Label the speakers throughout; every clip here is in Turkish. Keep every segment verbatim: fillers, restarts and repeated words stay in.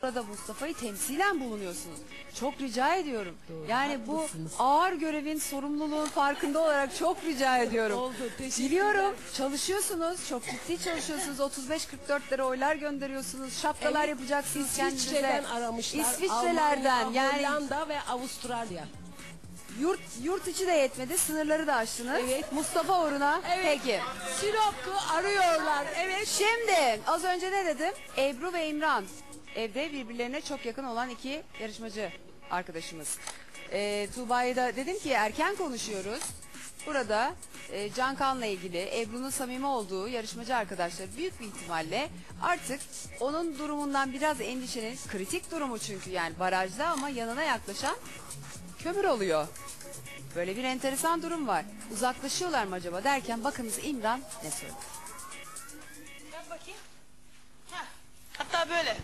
Speaker 1: Burada Mustafa'yı temsilen bulunuyorsunuz. Çok rica ediyorum.
Speaker 2: Doğru,
Speaker 1: yani bu
Speaker 2: haklısınız.
Speaker 1: ağır görevin, sorumluluğun farkında olarak çok rica ediyorum.
Speaker 2: Oldu, teşekkür
Speaker 1: Biliyorum,
Speaker 2: ederim.
Speaker 1: çalışıyorsunuz, çok ciddi çalışıyorsunuz. otuz beş kırk dörtlere oylar gönderiyorsunuz. Şapkalar
Speaker 2: Evet,
Speaker 1: yapacaksınız kendinize.
Speaker 2: İsviçre'den aramışlar.
Speaker 1: İsviçre'lerden
Speaker 2: Almanya,
Speaker 1: yani
Speaker 2: Hollanda ve Avustralya.
Speaker 1: yurt yurt içi de yetmedi, sınırları da aştınız.
Speaker 2: Evet.
Speaker 1: Mustafa uğruna.
Speaker 2: Evet.
Speaker 1: Peki.
Speaker 2: Sinop'u arıyorlar. Evet.
Speaker 1: Şimdi az önce ne dedim? Ebru ve İmran evde birbirlerine çok yakın olan iki yarışmacı arkadaşımız. Ee, Tuğba'ya da dedim ki erken konuşuyoruz. Burada e, Can Kan'la ilgili Ebru'nun samimi olduğu yarışmacı arkadaşlar büyük bir ihtimalle artık onun durumundan biraz endişenin, kritik durumu çünkü yani barajda ama yanına yaklaşan kömür oluyor. Böyle bir enteresan durum var. Uzaklaşıyorlar mı acaba derken bakınız İmran ne söyledi?
Speaker 3: Yap bakayım. Heh. Hatta böyle.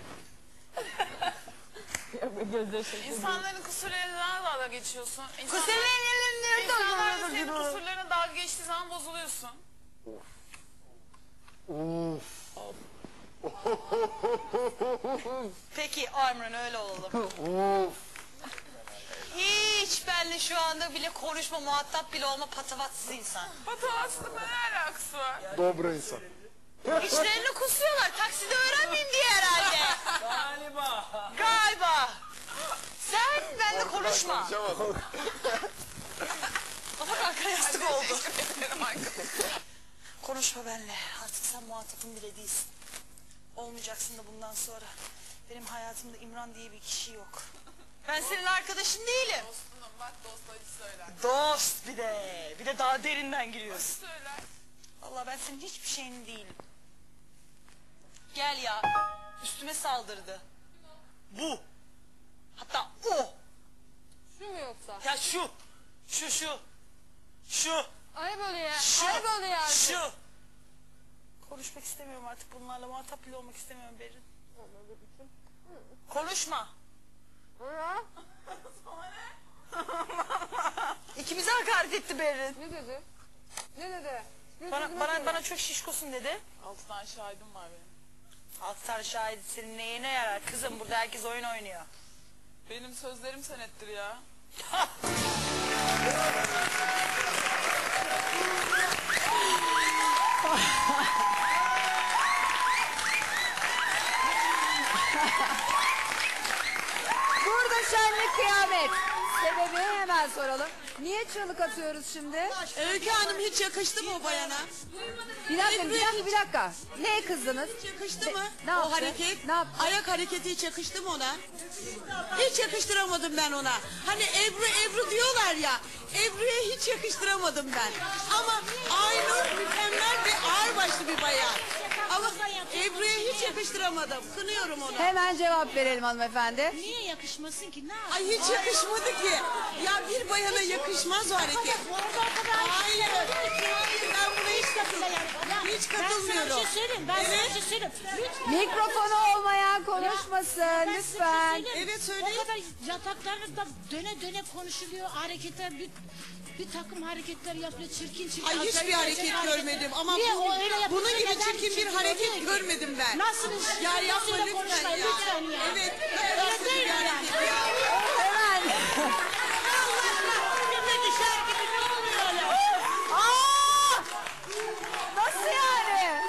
Speaker 4: İnsanların kusurlarına dalga geçiyorsun. İnsanlar,
Speaker 3: Kusurlarına
Speaker 4: insanlar da senin kusurlarına dalga geçtiği zaman bozuluyorsun.
Speaker 3: Peki Armran öyle olalım. Hiç benle şu anda bile konuşma, muhatap bile olma patavatsız insan.
Speaker 4: Patavatsızlıkla ne alakası var?
Speaker 5: Добрый insan.
Speaker 3: İşlerini kusuyorlar. Takside öğrenmeyeyim diye herhalde.
Speaker 4: Galiba.
Speaker 3: Galiba. Sen benimle konuşma. Bak arkaya yastık oldu. Konuşma benimle. Artık sen muhatapım bile değilsin. Olmayacaksın da bundan sonra. Benim hayatımda İmran diye bir kişi yok. Ben senin arkadaşın değilim.
Speaker 4: Dostunum bak dost acı söyler.
Speaker 3: Dost bir de. Bir de daha derinden giriyorsun.
Speaker 4: Söyler.
Speaker 3: Vallahi ben senin hiçbir şeyin değilim. Gel ya. Üstüme saldırdı. Bu. Hatta o.
Speaker 6: Şu mu yoksa?
Speaker 3: Ya şu. Şu şu. Şu.
Speaker 6: Ayıp oluyor.
Speaker 3: Şu.
Speaker 6: Ayıp oluyor artık.
Speaker 3: Şu. Konuşmak istemiyorum artık bunlarla. Muhatap bile olmak istemiyorum Berin. Konuşma.
Speaker 6: Ha?
Speaker 3: İkimize hakaret etti Berin.
Speaker 6: Ne dedi? Ne dedi? Ne
Speaker 3: Bana,
Speaker 6: dedi,
Speaker 3: bana,
Speaker 6: nasıl?
Speaker 3: bana çok şişkosun dedi.
Speaker 4: Altı tane şahidim var benim.
Speaker 3: Altar şahidi senin neyine yarar? Kızım burada herkes oyun oynuyor.
Speaker 4: Benim sözlerim senettir ya.
Speaker 1: Burada şenlik kıyamet. Sebebi hemen soralım. Niye çığlık atıyoruz şimdi?
Speaker 7: Öykü Hanım hiç yakıştı mı o bayana?
Speaker 1: Bir dakika, bir dakika, bir dakika. Neye kızdınız?
Speaker 7: Hiç yakıştı mı
Speaker 1: Ne
Speaker 7: o
Speaker 1: yaptı?
Speaker 7: hareket?
Speaker 1: Ne yaptı?
Speaker 7: Ayak hareketi hiç yakıştı mı ona? Hiç yakıştıramadım ben ona. Hani Ebru Ebru diyorlar ya. Ebru'ya hiç yakıştıramadım ben. Ama Aynur mükemmel ve ağırbaşlı bir bayan. Ama Ebru'ya hiç yakıştıramadım. Kınıyorum onu.
Speaker 1: Hemen cevap verelim hanımefendi.
Speaker 8: Niye yakışmasın ki? Ne yapayım?
Speaker 7: Ay hiç yakışmadı ki. Ya bir bayana yakışmaz o hareket. Hayır. Hayır ben buna hiç katılmıyorum. Hiç
Speaker 8: Ben sana bir
Speaker 7: katılmıyorum.
Speaker 8: şey söyleyeyim. Ben sana
Speaker 7: Evet.
Speaker 8: bir şey söyleyeyim. Lütfen.
Speaker 1: Mikrofonu olmayan konuşmasın
Speaker 8: Ben size bir şey
Speaker 1: lütfen.
Speaker 8: söyleyeyim.
Speaker 7: Evet, söyleyin.
Speaker 8: O kadar yataklarda döne döne konuşuluyor. Hareketler bir, bir takım hareketler yapıyor. Çirkin çirkin.
Speaker 7: Ay hiçbir
Speaker 8: acayip
Speaker 7: hareket
Speaker 8: acayip
Speaker 7: görmedim ama
Speaker 8: Niye
Speaker 7: bu-
Speaker 8: o öyle yapıyor?
Speaker 7: bunun gibi
Speaker 8: Neden
Speaker 7: çirkin bir
Speaker 8: çirkin
Speaker 7: hareket
Speaker 8: oluyor ki?
Speaker 7: görmedim ben.
Speaker 8: Nasıl?
Speaker 7: Ya
Speaker 8: nasıl
Speaker 7: yapma
Speaker 8: da
Speaker 7: lütfen
Speaker 8: konuşmayın,
Speaker 7: ya.
Speaker 8: lütfen ya.
Speaker 7: Evet.
Speaker 8: Öyle
Speaker 7: Nasıl
Speaker 8: değil
Speaker 7: bir
Speaker 8: yani.
Speaker 7: hareket ya?
Speaker 1: Hemen.
Speaker 8: Şimdi düşer gibi ne oluyor öyle?
Speaker 1: Aa! Nasıl yani?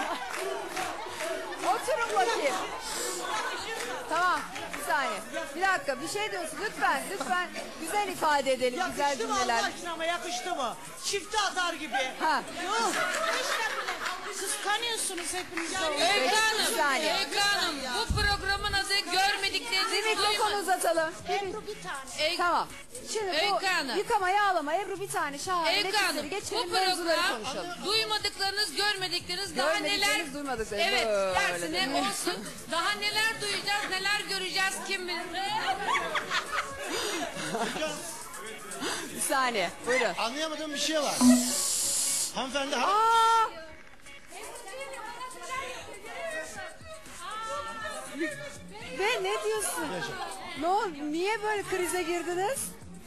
Speaker 1: Oturun bakayım. Tamam, bir saniye. Bir dakika, bir şey diyorsun. Lütfen, lütfen güzel ifade edelim, güzel
Speaker 9: Yakıştı mı Allah
Speaker 1: cümleler.
Speaker 9: aşkına ama yakıştı mı? Çifte atar gibi.
Speaker 1: Ha,
Speaker 9: Yok.
Speaker 8: Kıskanıyorsunuz hepiniz. de.
Speaker 1: Öykü Hanım, bir saniye.
Speaker 6: Öykü Hanım bu programın adı
Speaker 1: Bir
Speaker 6: görmediklerinizi
Speaker 1: mikrofon
Speaker 6: duyma.
Speaker 1: uzatalım. Bir-
Speaker 8: Ebru bir tane.
Speaker 6: Ey-
Speaker 1: Tamam. Şimdi bu
Speaker 6: Öykü Hanım.
Speaker 1: yıkama yağlama Ebru bir tane şahane
Speaker 6: Öykü Hanım
Speaker 1: nefisleri
Speaker 6: bu
Speaker 1: geçelim mevzuları
Speaker 6: program
Speaker 1: konuşalım.
Speaker 6: duymadıklarınız görmedikleriniz daha
Speaker 1: Görmedikleriniz,
Speaker 6: neler
Speaker 1: duymadıklarınız,
Speaker 6: evet
Speaker 1: böyle
Speaker 6: dersine
Speaker 1: değil mi?
Speaker 6: olsun daha neler duyacağız neler göreceğiz kim bilir.
Speaker 1: Bir saniye buyurun.
Speaker 9: Anlayamadığım bir şey var. Hanımefendi ha-
Speaker 1: Aa! Ve ne diyorsun? Ne oldu? Niye böyle krize girdiniz?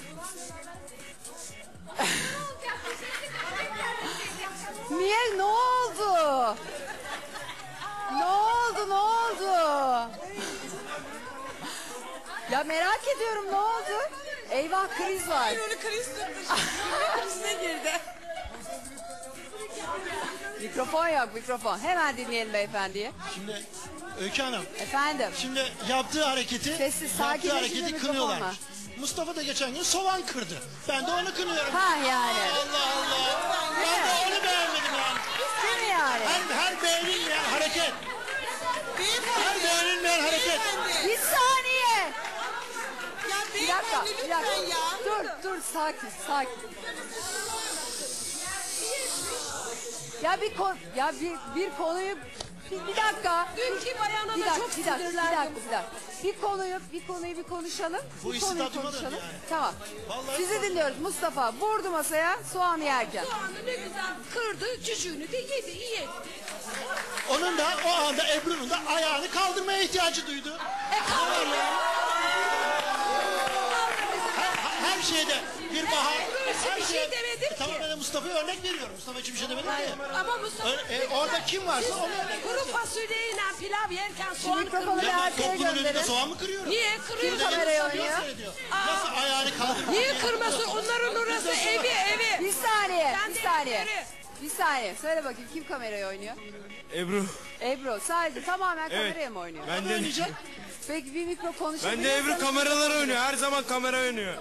Speaker 1: Niye? Ne oldu? Ne oldu? Ne oldu? Ya merak ediyorum ne oldu? Eyvah kriz var.
Speaker 7: Onu kriz tuttu. Krizine girdi.
Speaker 1: Mikrofon yok mikrofon. Hemen dinleyelim beyefendiyi.
Speaker 9: Şimdi Öykü Hanım,
Speaker 1: Efendim.
Speaker 9: şimdi yaptığı hareketi,
Speaker 1: Sessiz,
Speaker 9: yaptığı
Speaker 1: sakinleşin de
Speaker 9: hareketi
Speaker 1: mikrofonla.
Speaker 9: kınıyorlar. Mustafa da geçen gün soğan kırdı. Ben de onu kınıyorum.
Speaker 1: Ha yani.
Speaker 9: Allah Allah. Ben de onu beğenmedim yani.
Speaker 1: Değil mi yani?
Speaker 9: Her, her beğenilmeyen hareket. Her beğenilmeyen hareket.
Speaker 1: Bir saniye.
Speaker 7: Ya
Speaker 1: Bir dakika.
Speaker 7: beyefendi
Speaker 1: Bir
Speaker 7: lütfen
Speaker 1: dakika.
Speaker 7: ya.
Speaker 1: Dur dur sakin sakin. Ya bir kon ya bir bir konuyu bir, bir dakika.
Speaker 2: Dünkü bayana
Speaker 1: Bir
Speaker 2: da
Speaker 1: dakika,
Speaker 2: çok
Speaker 1: bir dakika, bir
Speaker 2: sinirlendim.
Speaker 1: dakika, bir dakika. Bir konuyu, bir konuyu bir konuşalım.
Speaker 9: Bu
Speaker 1: bir
Speaker 9: işi
Speaker 1: konuyu
Speaker 9: tadıma dön
Speaker 1: konuşalım.
Speaker 9: yani.
Speaker 1: Tamam.
Speaker 9: Vallahi
Speaker 1: Sizi
Speaker 9: tadıma-
Speaker 1: dinliyoruz Mustafa. Vurdu masaya soğanı yerken.
Speaker 2: Soğanı ne güzel kırdı, cücüğünü de yedi, iyi.
Speaker 9: Onun da o anda Ebru'nun da ayağını kaldırmaya ihtiyacı duydu.
Speaker 2: E kaldı.
Speaker 9: Her, her şeyde bir bahar.
Speaker 2: Ebru için bir şey demedim
Speaker 9: E, tamam
Speaker 2: ki.
Speaker 9: ben de Mustafa'ya örnek veriyorum. Mustafa için bir şey demedim ki.
Speaker 2: Ama Mustafa
Speaker 9: Ö- e, orada kim varsa onu örnek
Speaker 2: kuru
Speaker 9: vereceğim.
Speaker 2: fasulyeyle pilav yerken soğan
Speaker 1: mikrofonu
Speaker 2: kırmızı.
Speaker 1: bir
Speaker 9: Ben
Speaker 1: arkaya
Speaker 9: toplumun önünde
Speaker 1: gönderin.
Speaker 9: soğan mı kırıyorum?
Speaker 2: Niye kırıyorsun?
Speaker 1: kamerayı
Speaker 9: Nasıl
Speaker 1: oynuyor?
Speaker 9: seyrediyor? Nasıl ayağını kaldırıyor?
Speaker 2: Niye kırmasın? Onların orası evi evi.
Speaker 1: Bir saniye,
Speaker 2: Ben
Speaker 1: bir
Speaker 2: de
Speaker 1: saniye.
Speaker 2: evleri.
Speaker 1: Bir saniye. Söyle bakayım kim kamerayı oynuyor?
Speaker 5: Ebru.
Speaker 1: Ebru sadece tamamen
Speaker 5: Evet.
Speaker 1: kameraya mı oynuyor?
Speaker 5: Ben de
Speaker 9: Oynayacak.
Speaker 1: Peki bir mikro konuşabilir
Speaker 5: ben de Ebru
Speaker 1: misiniz?
Speaker 5: kameralar oynuyor. Her zaman kamera oynuyor.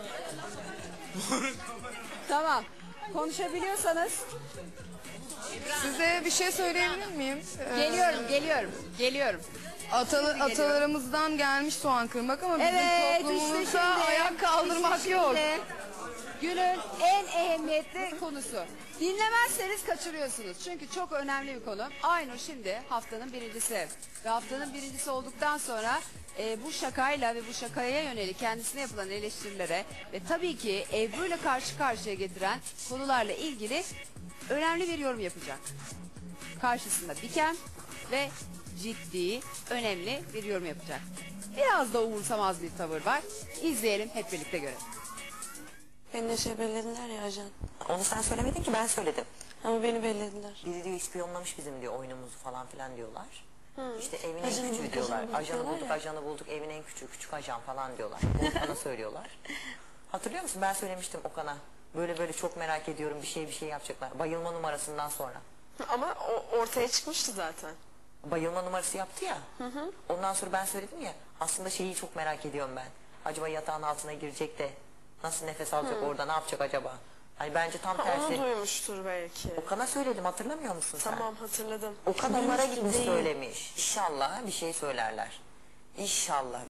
Speaker 1: Tamam. Konuşabiliyorsanız.
Speaker 10: Size bir şey söyleyebilir miyim? Ee,
Speaker 1: Geliyorum, geliyorum, geliyorum.
Speaker 10: Atalı, atalarımızdan gelmiş soğan kırmak ama bizim
Speaker 1: Evet, işte
Speaker 10: toplumumuzda
Speaker 1: şimdi.
Speaker 10: ayak kaldırmak
Speaker 1: işte
Speaker 10: yok.
Speaker 1: şimdi Günün en ehemmiyetli konusu. Dinlemezseniz kaçırıyorsunuz. Çünkü çok önemli bir konu. Aynur şimdi haftanın birincisi. Ve haftanın birincisi olduktan sonra e, bu şakayla ve bu şakaya yönelik kendisine yapılan eleştirilere ve tabii ki Ebru ile karşı karşıya getiren konularla ilgili önemli bir yorum yapacak. Karşısında diken ve ciddi, önemli bir yorum yapacak. Biraz da umursamaz bir tavır var. İzleyelim, hep birlikte görelim.
Speaker 11: Beni de şey bellediler ya ajan.
Speaker 12: Onu sen söylemedin ki ben söyledim.
Speaker 11: Ama beni bellediler.
Speaker 12: Biri diyor ispiyonlamış bizim diyor oyunumuzu falan filan diyorlar.
Speaker 11: Hı.
Speaker 12: İşte evin
Speaker 11: Ajanı
Speaker 12: en küçüğü
Speaker 11: bulduk,
Speaker 12: diyorlar.
Speaker 11: ajanı bulduk
Speaker 12: Ajanı
Speaker 11: diyorlar
Speaker 12: bulduk,
Speaker 11: ya.
Speaker 12: ajanı bulduk, evin en küçüğü, küçük ajan falan diyorlar. Onu bana söylüyorlar. Hatırlıyor musun? Ben söylemiştim Okan'a. Böyle böyle çok merak ediyorum bir şey bir şey yapacaklar. Bayılma numarasından sonra.
Speaker 11: Ama o ortaya çıkmıştı zaten.
Speaker 12: Bayılma numarası yaptı ya. Ondan sonra ben söyledim ya. Aslında şeyi çok merak ediyorum ben. Acaba yatağın altına girecek de nasıl nefes alacak
Speaker 11: Hı.
Speaker 12: orada ne yapacak acaba? Hani bence tam
Speaker 11: Ha,
Speaker 12: tersi.
Speaker 11: onu duymuştur belki.
Speaker 12: Okan'a söyledim hatırlamıyor musun sen?
Speaker 11: Tamam hatırladım.
Speaker 12: Okan onlara
Speaker 11: Duymuştur
Speaker 12: gitmiş
Speaker 11: değil.
Speaker 12: söylemiş. İnşallah bir şey söylerler. İnşallah.